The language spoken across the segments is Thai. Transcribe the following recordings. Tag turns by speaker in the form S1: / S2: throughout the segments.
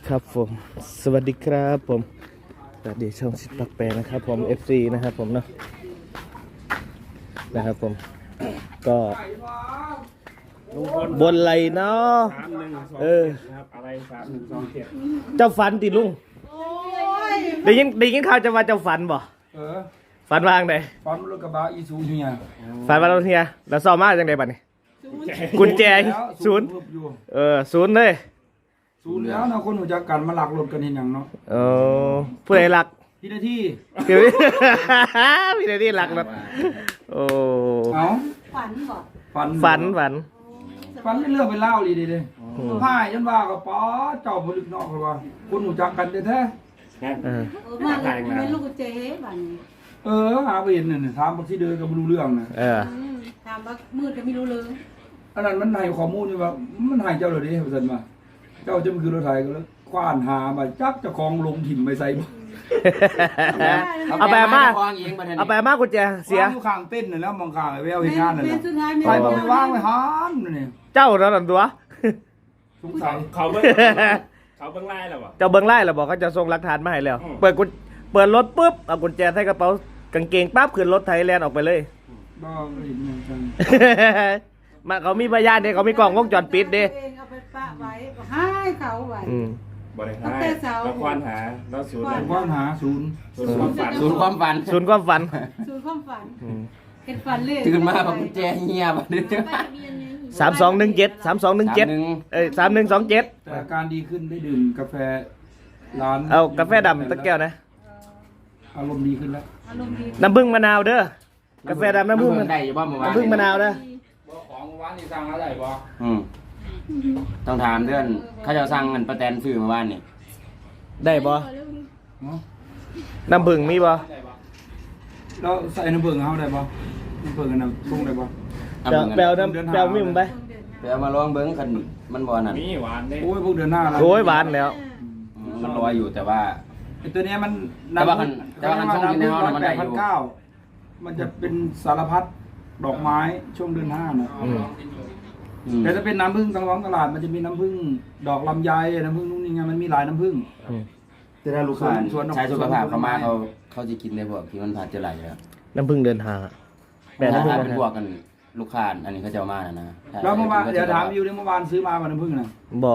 S1: ครับผมสวัสดีครับผมสวัสดีช่องชิดปักแปรนะครับผม FC นะครับผมเนาะนะครับผมก็บนไหลเนาะ
S2: ครับอะไร3127
S1: เจ้าฝันติลุงได้ยินข่าวจะว่าเจ้าฝันบ่ฝันว่าจังได
S3: ฟันรถกระบะอีซูเนี่ย
S1: ฝันว่าเราเฮียแล้วซ้อมมาจังไดบัดนี้กุญแจศูนย์ศูนย์เลย
S3: ศูนย์แล้วนะคนหัวจักกันมาหลักรถกันเห็นอย่างเนาะ
S1: ผู้ใดรัก
S3: พี่นาที
S1: เดี๋ยวพี่ได้รักนะโอ้
S3: เอา
S4: ฝันบอก
S3: ฝันเรื่องไปเล่าดีเลยพ่ายยันว่ากับป้าเจ้าผลึกนอกเลยว่าคนหัวจักกันแท้
S4: มาเป็นลูกเจ๊บัน
S3: หาไปเห็นเนี่ยถามบางทีเดินก็ไม่รู้เรื่องนะ
S4: ถามว่ามืดก็ไม่รู้เลย
S3: อันนั้นมันให้ข้อมูลอยู่ว่ามันให้เจ้าเลยดิเสร็จมาเจ้าจะมาคือรถไถก็แล้วคว้านหามาจับเจ้าของลงถิ่มไปใส่
S1: เอาไปมากุญแจเสีย
S3: อยู่ข้างเต้นน่ะแล้วมองข้างไอ้แววเห็นงานน่ะ
S4: สุดท้าย
S3: ไปบอกไปวางไว้หามนี่
S1: เจ้าแล้วนั่นตัว
S3: สงสัย
S2: เขาเบิ้งไล่แล้วบ่
S1: เจ้าเบิ้งไล่แล้วบอกเขาจะส่งหลักฐานมาให้แล้วเปิดรถปุ๊บเอากุญแจใส่กระเป๋ากางเกงปั๊บขึ้นรถไทยแลนด์ออกไปเลย
S3: บ้าไม่เห็นเหมือนกัน
S1: มาเขามีพยานเด้เขามีกล้องวงจรปิดเด้
S4: เอาไปปะไว้ให้เขาไว้
S2: บ่ได้ให้แล้วควานหาแล้วศูนย์
S3: ว่านหาศูนย์
S2: ความฝัน
S1: ศูนย์ความฝัน
S4: สูตรความฝันเห็นฝันเลย
S5: ตื่นมาแบบกุญแจเงียบอ่ะเนี่ย
S1: 3217 3127
S3: แต่อาการดีขึ้นได้ดื่มกาแฟร้าน
S1: เอากาแฟดำตะแก้วนะ
S3: อารมณ์ดีขึ้นแล้ว
S4: อารมณ์ดี
S1: น้ำผึ้งมะนาวเด้อกาแฟดำน้ำผึ้ง
S5: ได้อยู่บ้างเมื่อวาน
S1: น้ำผึ้งมะนาวเด้อ
S3: ของวานนี่สั่งอะไรบ่
S5: ต้องถามเพื่อนเขาจะสั่งเงินประแตนซื้อเมื่อวานนี่
S1: ได้บ่น้ำผึ้งมีบ่
S3: แล้วใส่น้ำผึ้งเฮาได้บ่น้ำผึ้งกันน้ำส่งได้บ่
S1: แปลวมีมึงไป
S5: ไปเอามาลองเบิ้งคันมันบ่นั่น
S2: มีหวานเด้
S3: โอ้ยพวกเดือนหน้าแล้ว
S1: โอ้ยหวานแล้ว
S5: มันลอยอยู่แต่ว่า
S3: ไอ้ตัวเนี้ยมัน
S5: แต่ว่ามันส่งกินในห้องมันได้อยู่
S3: 8,900มันจะเป็นสารพัดดอกไม้ช่วงเดือน5น่ะแต่ถ้าเป็นน้ำผึ้งทางท้องตลาดมันจะมีน้ำผึ้งดอกลำไยน้ำผึ้งนู่นนี่ไงมันมีหลายน้ำผึ้ง
S5: แต่ถ้าลูกค้าใช้สุขภาพเขามาเขาจะกินในพวกที่มันผ่านจะไหลแล้ว
S1: น้ำผึ้งเดินหาแปลน้ำผึ้ง
S5: ถ้าเป็นพวกกันลูกค้าอันนี้เขาจะเอามานะ
S3: แล้วเมื่อวานเดี๋ยวถามอยู่เมื่อวานซื้อมาน้ำผึ้งน่ะ
S1: บ่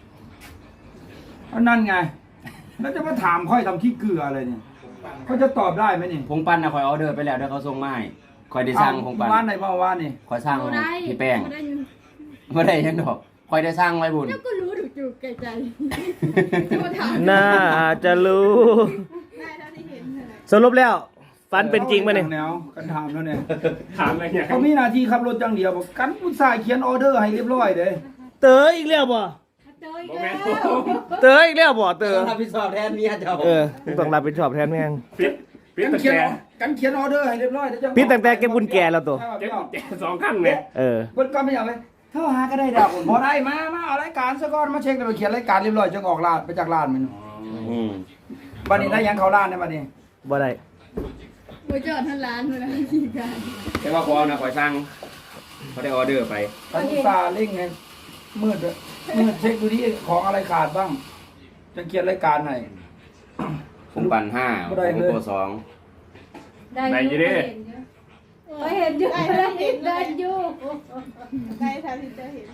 S3: นั่นไงแล้วจะมาถามค่อยทำขี้เกลืออะไรเนี่ยเขาจะตอบได้ไหมนี่
S5: ผงปั้นนะคอยออเดอร์ไปแล้วเดี๋ยวเขาส่งมาให้คอยได้สั่งผงปั้น
S3: ว่านไหนเมื่อวานนี่
S5: คอยสั่งพี่แป้งไม่ได้ยังดอกคอยได้สั่งไว้บุญ
S4: ก็รู้ถูกจุกแก่ใจ
S1: น่าจะรู้
S4: ได้เท่าที่เห็นเลย
S1: สรุปแล้วฝันเป็นจริงป่ะเนี่ย
S3: แนวกันถามแล้วเนี่ย
S2: ถามอะไรเนี่ย
S3: เขามีหน้าที่ขับรถจังเดียวบอกกันผู้ชายเขียนออเดอร์ให้เรียบร้อยเด้
S1: เต๋ออีกแล้วบ่
S4: เจออีกแล้ว
S1: เต๋ออีกแล้วบ่เต๋อ
S5: รับผิดชอบแทนเมียเจ้า
S1: ต้องรับผิดชอบแทนแม่ง
S2: ปิด
S3: กัน
S2: ตั้ง
S3: เขียน
S2: แต่
S3: กันเขียนออเดอร์ให้เรียบร้อยเดี๋ยวจะ
S1: พี่ตั้งแต่เก็บกุญแจแล้วตัว
S2: เก็บกุญแจ2ขั้นเนี่ย
S3: คนก็ไม่อยากไปเท่าหาก็ได้ดอกพอได้มาเอารายการซะก่อนมาเช็คแล้วไปเขียนรายการเรียบร้อยจึงออกร้านไปจากร้านมันบัดนี้ได้ยังเขาร้านได้บัดนี้
S1: บ่ได้
S4: ไปจอดท่านร้านเลยนะขี่กัน
S5: แต่ว่าพอนะคอยสั่งเขาได้ออเดอร์ไป
S3: กันอุตส่าห์เร่งไงมืดเช็คดูที่ของอะไรขาดบ้างจะเขียนรายการให้
S5: ผมปั่น5ผมโก2
S4: ได้อยู่ดิก็เห็นอยู่ได้เห็นได้อยู่ได้ทางที่จะเห็น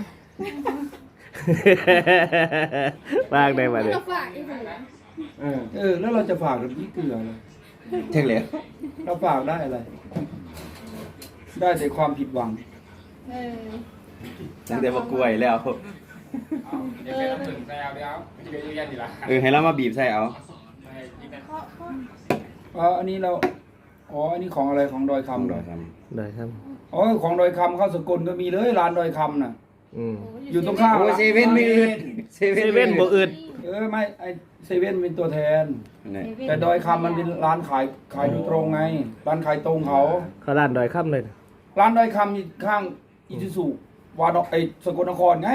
S1: มากได้มาเลย
S4: ฝากอีกแล้ว
S3: แล้วเราจะฝากกับพี่เกลือเลย
S5: เท่งเลย
S3: เราฝากได้อะไร ได้แต่ความผิดหวัง
S5: ตั้งแต่ว่ากล้วยแล้วให้เรามาบีบใส่เอา
S3: อันนี้เราอันนี้ของอะไรของดอยคำ
S5: ดอยค
S1: ได้ครับ
S3: ของดอยคำเข้าสกลก็มีเลยร้านดอยคำน่ะ อยู่ตรงข้าม
S5: ำโอ้เซเว่นไม่อึดเซ
S1: เซเว่นบ่อึด
S3: ไม่ไอเซเว่นเป็นตัวแทน แต่ดอยคำมันเป็นร้านขายโดยตรงไง ร้านขายตรงเขา
S1: เขาร้านดอยค่ำเลย
S3: ร้านดอยคำอยู่ข้างอิซูซุวาดอกสกลนครไง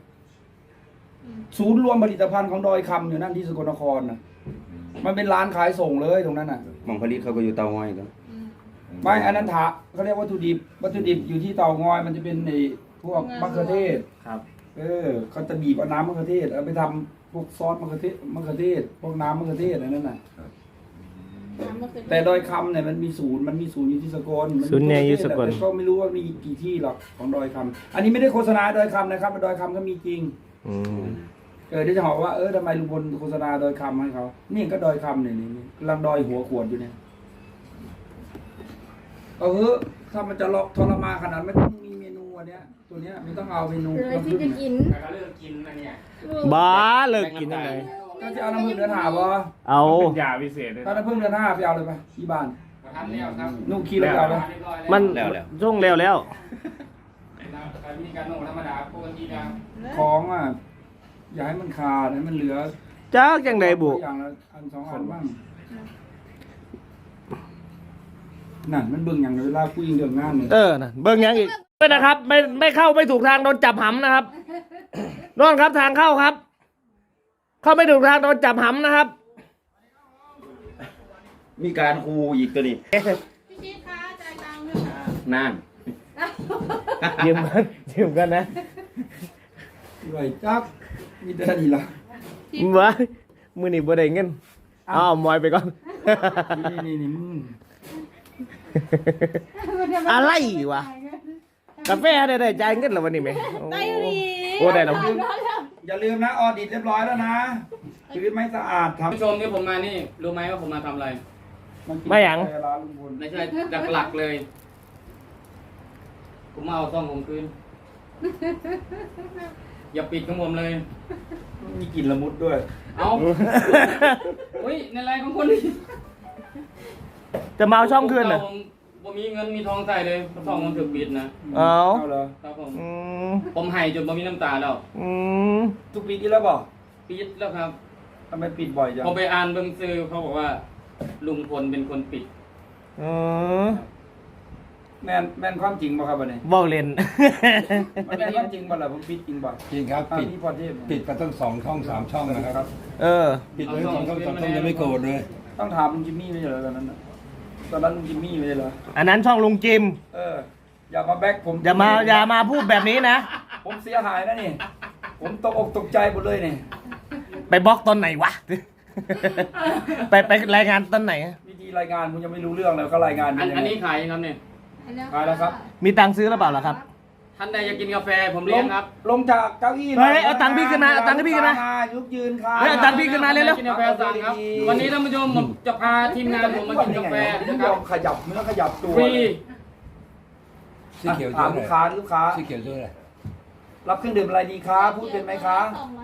S3: ศูนย์รวมผลิตภัณฑ์ของดอยคำอยู่นั่นที่สกลนครน่ะมันเป็นร้านขายส่งเลยตรงนั้นน่ะ
S5: หม่องผลิตเขาก็อยู่เตาง้อยกัน
S3: ไม่อันนั้นเขาเรียกวัตถุดิบอยู่ที่เตางอยมันจะเป็นพวกมะเขือเทศ
S2: ครับ
S3: เขาจะบีบเอาน้ำมะเขือเทศเอาไปทำพวกซอสมะเขือเทศพวกน้ำมะเขือเทศอะไรนั่นน่ะแต่ดอยคำเนี่ยมันมีศูนย์อยู่ที่สกลมัมี
S1: ศูนย์เนี่ยอยู่สกล
S3: แต่ก็ไม่รู้ว่ามีกี่ที่หรอกของดอยคำอันนี้ไม่ได้โฆษณาดอยคำนะครับดอยคำก็มีจริง
S1: อืม
S3: เดี๋ยวจะบอกว่าทำไมลุงพลโฆษณาดอยคำให้เขานี่ก็ดอยคำเนี่ยนี่กำลังดอยหัวขวดอยู่เนี่ยถ้ามันจะทรมานขนาดไม่ต้องมีเมนูอันเนี้ยตัวเนี้ยไม่ต้องเอาเมนู
S4: เลยที่จะกิน
S2: แต่ก็เลิกกินนะเนี่ย
S1: บ้าเลิกกินยังไง
S3: ก็จะเอาน้ำผึ้งเดือนหาบ่
S1: เอา
S2: เป็นยาพิเศษเลย
S3: ถ้าน้ำผึ้งเดือน5ไปเอาเลยไปที่บ้าน
S2: ทำแล้วครับ
S3: นุ่งขี้แล้วเอาไป
S1: มันช่วงแล้ว
S2: วิธีการนุ่งธรรมดาปกตินะ
S3: ของอย่าให้มันขาดให้มันเหลือ
S1: จักจังไดบุ
S3: อย่างละอัน2 อันบ้างนั่นมันเบิ่งอย่างเวลาคุยเรื่องงานเนี่ย
S1: นะเบิ่งยังอีกด้วยนะครับ ไม่เข้าไม่ถูกทางโดนจับหำนะครับโน่นครับทางเข้าครับ เข้าไม่ถูกทางโดนจับหำนะครับ
S5: มีการคูอีกตัวนี้
S4: พี่ชิดคะจ่ายตังค์ด้วยค่ะ
S5: นั่น
S1: ยืมกันนะ
S3: ไรจักมีแต่นี่ล่ะ
S1: ว้ามือนี่บ่ได้เงินเอามอยไปก่อน
S3: นี่มึง
S1: อะไรวะกาแฟได้จ่ายเงินแล้ววันนี้ไหม
S4: ได้อยู่ดี
S1: โอ้ได้แล้ว
S3: อย่าลืมนะออดิตเรียบร้อยแล้วนะชีวิตไม่สะอาดทำ
S2: ผู้ชมที่ผมมานี่รู้ไหมว่าผมมาทำอะไร
S1: ไม่หยัง
S3: ร้านลุงพล
S2: ไม่ใช่หลักๆเลยผมมาเอาซ่องผมคืนอย่าปิดของผมเลย
S3: มีกลิ่นละมุดด้วย
S2: เอาอุ้ยในไลน์ของคนนี้
S1: จะมาเอาช่องคืนเหรอ
S2: ผมมีเงินมีทองใส่เลยซ่องมันถูกปิดนะ
S1: เอา
S3: เอาเหรอ
S2: ครับผม
S1: อืม
S2: ผมให้จนผมมีน้ำตาแล้ว
S1: อืม
S3: ทุกปีที่แล้วบอก
S2: ปิดแล้วครับ
S3: ทำไมปิดบ่อยจัง
S2: ผมไปอ่านเบิ่งซื้อเขาบอกว่า ลุงพลเป็นคนปิด
S1: อืม
S3: แม่นความจริงป่ะครับวันนี้
S1: เว้าเล่น
S3: มันแม่นความจริงป่ะล่ะผมปิดจริงป่ะ
S6: จริงครับ
S3: ปิดที่พอเทพ
S6: ปิดไปตั้ง2 ช่อง 3 ช่องนะครับ
S1: เออ
S6: ปิดไป2 ช่อง 3 ช่องยังไม่โกรธเลย
S3: ต้องถามลุงจิมมี่ไม่ใช่เหรอตอนนั้นน่ะตอนนั้นลุงจิมมี่ไม่ใช่เหรอ
S1: อันนั้นช่องลุงจิม
S3: อย่ามาแบ็คผม
S1: อย่ามาพูดแบบนี้นะ
S3: ผมเสียหายนะนี่ ผมตกอกตกใจหมดเลยนี่
S1: ไปบล็อกตอนไหนวะ ไปรายงานตอนไหน
S3: วิธีรายงานผมยังไม่รู้เรื่องเลยเขารายงานเป็ยังไง
S2: อันนี้ขายยังครับเนี่ย
S3: ขายแล้วครับ
S1: มีตังค์ซื้อหรือเปล่าล่ะครับ
S2: ท่านใดอยากกินกาแฟผมเลี้ยงครับ
S3: ลงจากเก้าอี้
S1: เฮ้ยเอาตังค์พี่ขึ้นมาเอาตังค์ให้พี่ขึ้นมา
S3: ลุกยืนค่ะ
S1: เฮ้ยเอาตังค์พี่ขึ้นมาเร็ว
S2: กินกาแฟสั่งครับ วันนี้ท่านผู้ชมผมจะพาทีมงานผมมากินกาแฟ
S3: นะ
S2: นะ
S3: ค
S2: ค
S3: รั
S2: รั
S3: บบ ขยับเนื้อขยับตัว
S2: ฟรี
S6: สีเขียว
S3: ถา
S6: ชื่
S3: ม
S6: อ
S3: ลู
S6: อะ
S3: ก
S6: ไร
S3: ค้าลูกค้า
S6: สีเขียวชื่ออะไร
S3: รับเครื่องดื่มอะไรดีคะพูดเป็นไหมคะ
S4: 250 บาท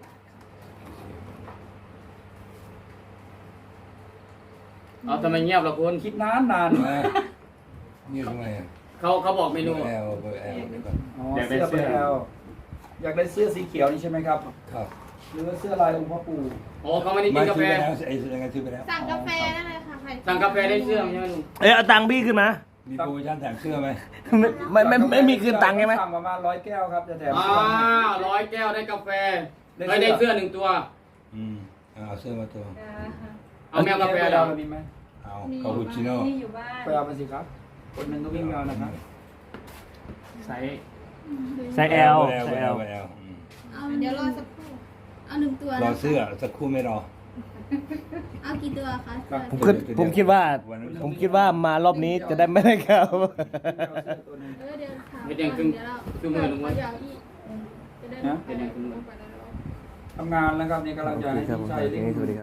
S2: เอาทำไมเงียบล่ะคุณ
S3: คิดนานนาน
S6: นี่ทำไมอ่ะ
S2: เขาบอกเมนู
S6: เบอร์แอลเบอร์แอลเดี๋ยวก่อน
S3: อ๋อเสื้อไปแล้วอยากได้เสื้อสีเขียวนี่ใช่ไหมครับ
S6: ครับ
S3: หรือว่าเสื้อลายองค์พ่อปู่
S2: โอ้เขาไม่ได้กิ
S6: ไม่
S2: นกา
S6: ซื้
S2: แฟ
S6: อไปแล้วไอ้ยังไงซื้อไปแล้ว
S4: สั่งกาแฟได้เลยค่ะใคร
S2: สั่งกาแฟได้เสื้อใช่ไหมลุง
S1: เอ้ยเอาตังค์พี่ขึ้นมา
S6: มีโปรโมชั่นแถมเสื้อไหม
S1: ไม่มีคืนตังค์ใช่ไหม
S3: สั่งประมาณ100 แก้วครับจะแถม
S2: 100 แก้วได้กาแฟได้เสื้อ1 ตัว
S6: เอาเสื้อมาตัว
S2: เอาแมวกาแฟ
S3: ดา
S2: ดาว ว
S3: มีไหม
S6: เอาคาปูชิโน่
S4: มีอยู่บ้าน
S3: ไปเอามาสิครับ คนหนึ่งก็วิ่งเอานะครับ
S2: ใส่
S1: ใส่ L
S6: เบอร์แอล
S1: ใส่
S6: เบอร์
S1: L
S6: แอลเบอร์แอล
S4: เอาเดี๋ยวรอสักครู่ เอา1 ตัว
S6: ร
S4: นะ
S6: อเสื้อสักครู่ไม่รอ
S4: เอากี่ตัวคะเสื้อ
S1: ผมคิดว่ามารอบนี้จะได้ไม่ได้ครับ
S4: เดี๋ยวถาม
S2: ไม่แดงครึ่ง
S4: เดี๋ยวเรา
S2: ครึ่งมือลุงวะ
S4: เดี๋ยวอีกจะได้
S3: นะ
S2: เป็นยังไงคุณลุง
S3: ทำงานแล้วครับนี่กำลังจะให้
S1: ครับผม
S3: ใช้
S1: สวัสดีครับ